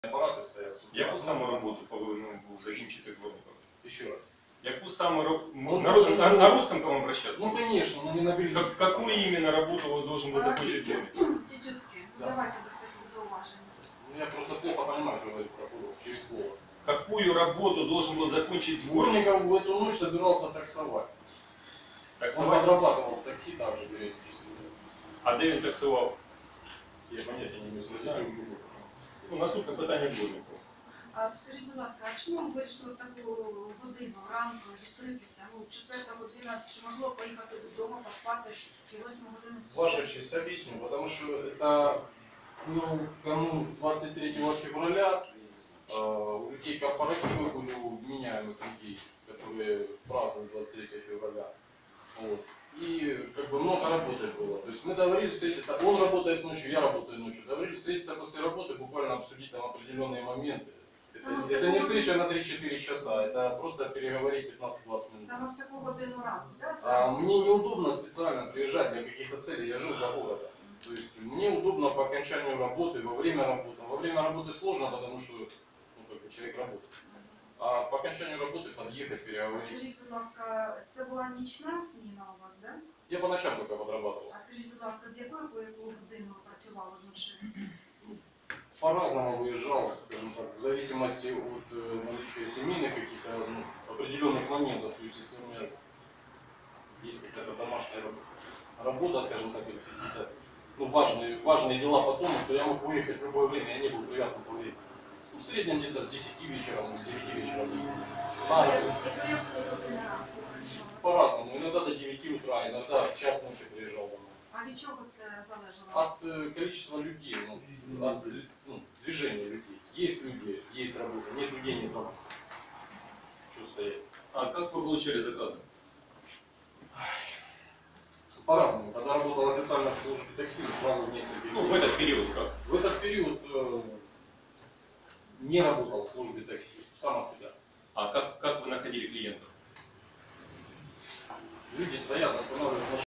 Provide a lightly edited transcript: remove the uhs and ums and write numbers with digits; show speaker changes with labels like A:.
A: апарати стоять.
B: Яку саме роботу повинен був закінчити Дворников?
A: Еще раз.
B: Яку саме
A: Ну,
B: на русском к вам обращаться?
A: Ну конечно, но не на бельгийском.
B: Какую именно работу вы должен был закончить Дворников?
C: Тютюцький,
A: Да.
C: давайте без таких зауважень.
A: Ну, я просто плохо понимаю, что говорит прокурор, через слово.
B: Какую работу должен был закончить Дворников?
A: Дворников в эту ночь собирался таксовать. Он
B: Таксовать?
A: подрабатывал в такси также периодически.
B: А де він таксував?
A: Я понятия не имею, спросите.
B: Ну, наступне питання Дворникова.
C: А скажіть, будь ласка, а чому ви вирішили в таку годину ранку зустрітися? Ну, 4 година, чи можливо поїхати додому, поспати і 8 годину?
A: Ваша честь, объясню, потому что это канун 23 февраля, у людей корпоративы были у вменяемых людей, которые празднуют 23 февраля. Вот. И как бы много работы было. То есть мы договорились встретиться, он работает ночью, я работаю ночью. Договорились встретиться после работы, буквально обсудить там определенные моменты. Это не встреча на 3-4 часа, это просто переговорить 15-20 минут.
C: Саме в таку годину ранку, так?
A: Мне неудобно специально приезжать для каких-то целей, я жил за городом. То есть мне удобно по окончанию работы, во время работы. Во время работы сложно, потому что человек работает. А по окончанию работы подъехать, переговорить.
C: Скажіть, будь ласка, це була нічна зміна у вас, так?
A: Я по ночам только подрабатывал.
C: А скажіть, будь ласка, з якої по яку годину ви працювали вночі?
A: По-разному выезжал, скажем так, в зависимости от наличия семейных каких-то определенных моментов. То есть если у меня есть какая-то домашняя работа, скажем так, или какие-то важные дела по дому, то я мог выехать в любое время, я не был привязан по времени. В среднем где-то с 10 вечера, с 9 вечера.
C: І до якої години ранку ви працювали?
A: По-разному. Иногда до 9 утра, иногда в час ночи приезжал домой.
C: А від чого це залежало?
A: От количества людей, от движения людей. Есть люди, есть работа, нет людей, нет работы. Что стоять?
B: А как вы получали заказы?
A: По-разному. Когда работал официально в службе такси, сразу в несколько
B: Ну, в этот период как?
A: В этот период не работал в службе такси, сам от себя.
B: А как вы находили клиентов?
A: Люди стоят, останавливают машину.